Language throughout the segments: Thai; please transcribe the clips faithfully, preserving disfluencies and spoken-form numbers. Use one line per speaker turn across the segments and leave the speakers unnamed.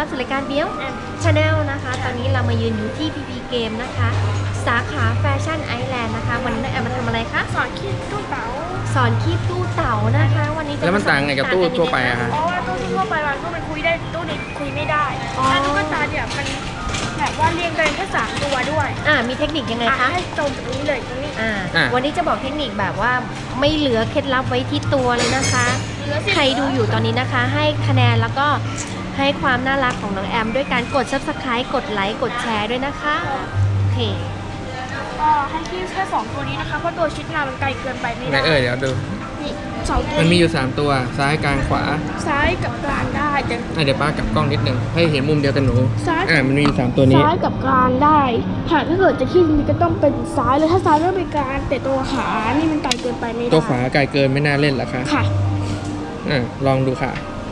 รับสู่รายการเบี้ยวชาแนลนะคะตอนนี้เรามายืนอยู่ที่ พี พี เกมนะคะสาขาแฟชั่นไอแลนด์นะคะวันนี้น้องแอมมาทำอะไรคะ
สอนคีบตู้เต๋า
สอนคีบตู้เต๋านะคะวันนี้
แล้วมันต่างไงกับตู้ทั่วไปอะคะ
เพราะว่าตู้ทั่วไปบางตู้มันคุยได้ตู้นี้คุยไม่ได้แล้วตุ๊กตาเนี่ยมันแบบว่าเรียงกันแค่สามตัวด้วย
อ่ามีเทคนิคยังไงคะ
ให้ตรงตรงนี้เลยตรงนี้
อ่าวันนี้จะบอกเทคนิคแบบว่าไม่เหลือเคล็ดลับไว้ที่ตัวเลยนะคะใครดูอยู่ตอนนี้นะคะให้คะแนนแล้วก็ให้ความน่ารักของน้องแอมด้วยการกด ซับสไครบ์ กดไลค์กดแชร์ด้วยนะคะโอเค
ก็ให้คีบแค่สองตัวนี้นะคะเพราะตัวชิดหน้ามันไกลเกินไปไม่ได้
เออเดี๋ยวดู
นี่สองตัว
มันมีอยู่สามตัวซ้ายกลางขวา
ซ้ายกับกลางได้แต่
เดี๋ยวป้ากับกล้องนิดนึงให้เห็นมุมเดียวกันหนูอ่ามันมีสามตัวนี้
ซ้ายกับกลางได้หากถ้าเกิดจะคีบมันก็ต้องเป็นซ้ายเลยถ้าซ้ายไม่เป็นกลางแต่ตัวขานี่มันไกลเกินไปไม่ได้
ตัวขวาไกลเกินไม่น่าเล่นหรอคะ
ค่ะ
อ่าลองดูค่ะ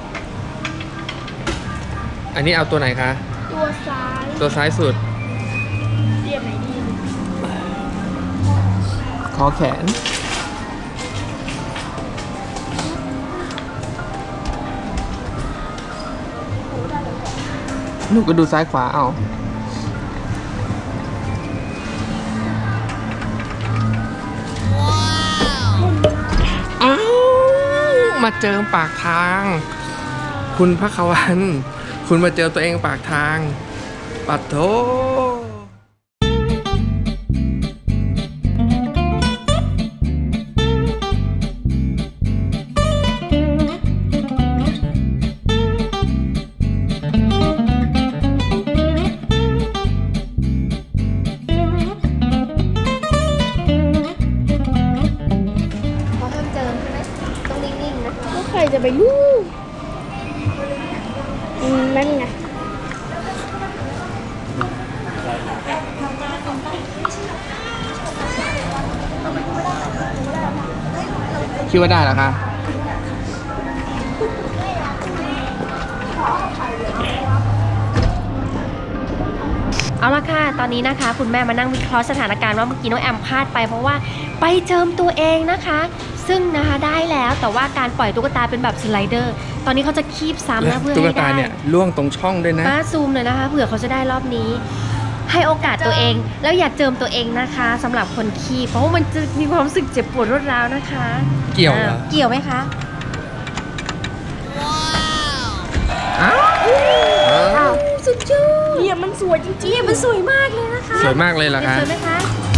อันนี้เอาตัวไหนคะ
ตัวซ้าย
ตัวซ้ายสุด
เรียบไหนดี
คอแขนหนูก็ดูซ้ายขวาเอาอ้าวมาเจอปากทางคุณพระควันคุณมาเจอตัวเองปากทางปัดโถ
ใครจะไปรู้นั่นไง
คิดว่าได้เหรอคะ
เอาละค่ะตอนนี้นะคะคุณแม่มานั่งวิเคราะห์สถานการณ์ว่าเมื่อกี้น้องแอมพลาดไปเพราะว่าไปเจิมตัวเองนะคะซึ่งนะคะได้แล้วแต่ว่าการปล่อยตุ๊กตาเป็นแบบสไลเดอร์ตอนนี้เขาจะคีบซ้ำนะเพื่อให้ได้ตุ๊กตา
เนี่ยล่วงตรงช่องด้วยนะ
มาซูมเลยนะคะเผื่อเขาจะได้รอบนี้ให้โอกาสตัวเองแล้วอย่าเจิมตัวเองนะคะสำหรับคนคีบเพราะว่ามันจะมีความรู้สึกเจ็บปวดรวดร้าวนะคะ
เกี่ยวเหรอ
เกี่ยวไหมคะ
ว้าว
สุดยอด
เนี่ยมันสวยจริง
ๆมันสวยมากเลยนะคะ
สวยมากเลยเหรอคะ
สวยไหมคะ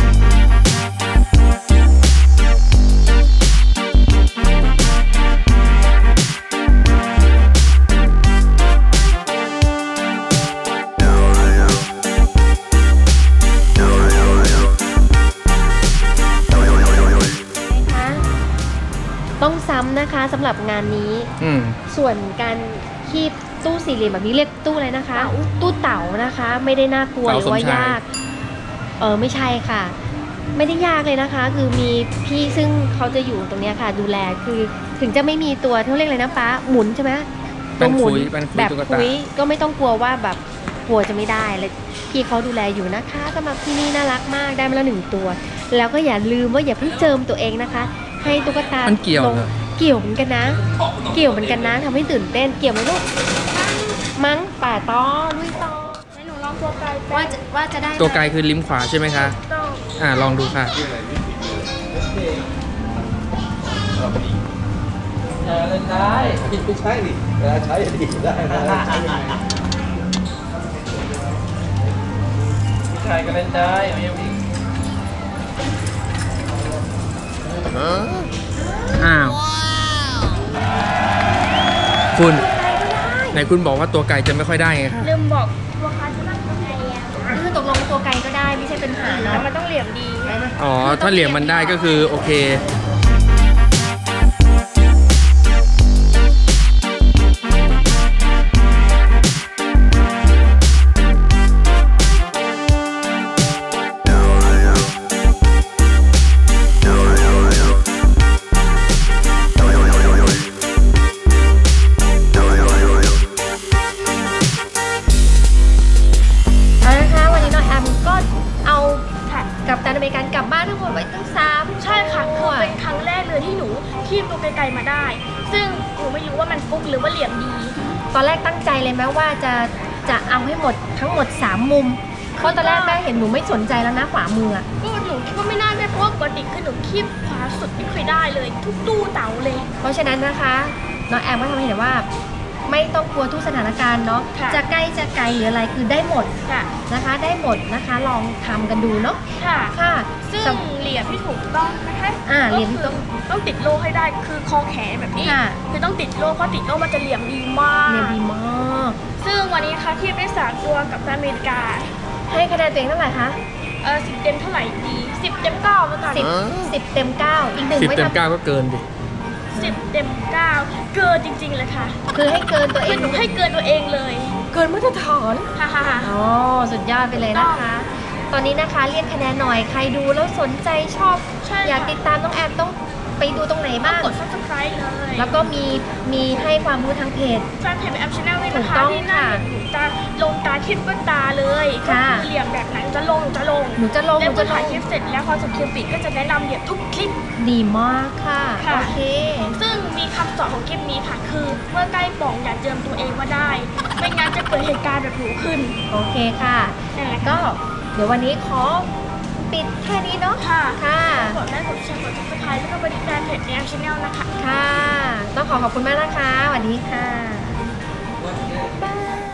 ต้องซ้ำนะคะสำหรับงานนี้ส่วนการคีบตู้สี่เหลี่ยมแบบนี้เรียกตู้อะไรนะคะตู้เต๋านะคะไม่ได้น่ากลัวหรือว่ายากเออไม่ใช่ค่ะไม่ได้ยากเลยนะคะคือมีพี่ซึ่งเขาจะอยู่ตรงนี้ค่ะดูแลคือถึงจะไม่มีตัวเขาเรียกอะไรนะป้าหมุนใช่ไหม
ตัวหมุน
แบบคุยก็ไม่ต้องกลัวว่าแบบกลัวจะไม่ได้เลยพี่เขาดูแลอยู่นะคะสำหรับที่นี่น่ารักมากได้มาแล้วหนึ่งตัวแล้วก็อย่าลืมว่าอย่าเพิ่งเจิมตัวเองนะคะให้ตุ๊กตา
มันเกี่ยว
เกี่ยวเหมือนกันนะเกี่ยวเหมือนกันนะทำให้ตื่นเต้นเกี่ยวไหมลูกมั้งป่าต้อลุยต่อ
ให้หนูลองตัวไกล
ว่าจะว่าจะได้
ตัวไกลคือลิ้มขวาใช่ไหมคะอ่าลองดูค่ะ
เล่นได้ไม่ใช่ดิเวลาใช้ดีได้นะผู้ชายก็เล่นได้ไม่ยังอีก
อ้าวคุณไหนคุณบอกว่าตัวไก่จะไม่ค่อยได้ไงคะ
ลืมบอกตัวไก่จะได้ตัวไก่
คือตกลงตัวไก่ก็ได้ไม่ใช่เป็นหานะ
มันต้องเหลี่ยมดี
อ๋อถ้าเหลี่ยมมันได้ก็คือโอเค
คีบตัวไกลๆมาได้ซึ่งหนูไม่รู้ว่ามันฟุกหรือว่าเหลี่ยมดี
ตอนแรกตั้งใจเลยไหมว่าจะจะเอาให้หมดทั้งหมดสามมุมเพราะตอนแรกแม่เห็นหนูไม่สนใจแล้วนะขวามืออะ
ก็หนูคิดว่าไม่น่าได้เพราะว่าปกติคือหนูคีบขวาสุดไม่เคยได้เลย ทุกตู้เต๋าเลย
เพราะฉะนั้นนะคะน้องแอมก็ทำให้เห็นว่า ไม่ต้องกลัวทุกสถานการณ์เนาะ
ค่ะ
จะใกล้จะไกลหรืออะไรคือได้หมด
ค่ะ
นะคะ ได้หมดนะคะ ลองทำกันดูเนาะ
ค่ะ
ค่ะ
ซึ่ง
สำ
เหรียญที่ถูกต้องนะคะ
อ่าเหรียญที่
ก็
ต้อง
คือต้องติดโล่ให้ได้คือคอแขนแบบนี้
ค่ะ
คือต้องติดโล่เพราะติดโล่มันจะเหลี่ยมดีมาก
เรียนดีมาก
ซึ่งวันนี้นะคะที่ได้สามตัวกับอเมริกา
ให้คะแนนตัวเองเท่าไหร่คะ
เออสิบเต็มเท่าไหร่ดีสิบเต็มเก้าแล้วกัน
สิบสิบเต็มเก้าอีกหนึ่ง
สิบ
ไว้
เต็ม
ทำ
เก้าก็เกินดิ
สิบเต็มเก้าเกินจริงๆเลยค่ะ
คือให้เกินตัวเอ
คือง หนูให้เกินตัวเองเลย
เกินมาตรฐาน
ฮ่าฮ่าฮ่า
อ๋อสุดยอดไปเลยนะคะ ตอนนี้นะคะเรียกคะแนนหน่อยใครดูแล้วสนใจชอบ
ใช่
อยาก
ค่ะ
ติดตามน้องแอมต้องไปดูตรงไหนบ้าง
กด ซับสไครบ์ เลย
แล้วก็มีมีให้ความรู้ทางเพจ
แฟนเพจแอปชาแนลด้วย
ถู
นะ
ก
คะ
ต้อง
ที่หน้า
ค่ะ
หนูจะลงตาคิดว่าตาเลยก็
ค่ะ
คือเหลี่ยมแบบไหนหนูจะลงหนูจะลง
หนูจะลงห
แล้ว
นู
เมื่
จะ
อ
ล
ถ่าย
ง
คลิปเสร็จแล้วพอจบคลิปปิดก็จะแนะนำเหลี่ยมทุกคลิป
ดีมากค่ะ
ค่ะ
โอเค
ซึ่งมีคำสอนของคลิปนี้ค่ะ คือเมื่อใกล้ป่องอย่าเจิมตัวเองว่าได้ ไม่งั้นจะเกิดเหตุการณ์แบบหนูขึ้น
โอเคค่ะ
นั่นแหละค่ะ
ก็เดี๋ยววันนี้ขอปิดแค่นี้เนาะ
ค่ะ
ค่ะ
กดไลค์กดแชร์กดซับสไครบ์แล้วก็ไปติดตามเพจแอปชาแนลนะคะ
ค่ะ ต้องขอขอบคุณมากนะคะสวัสดีค่ะ บ๊ายบาย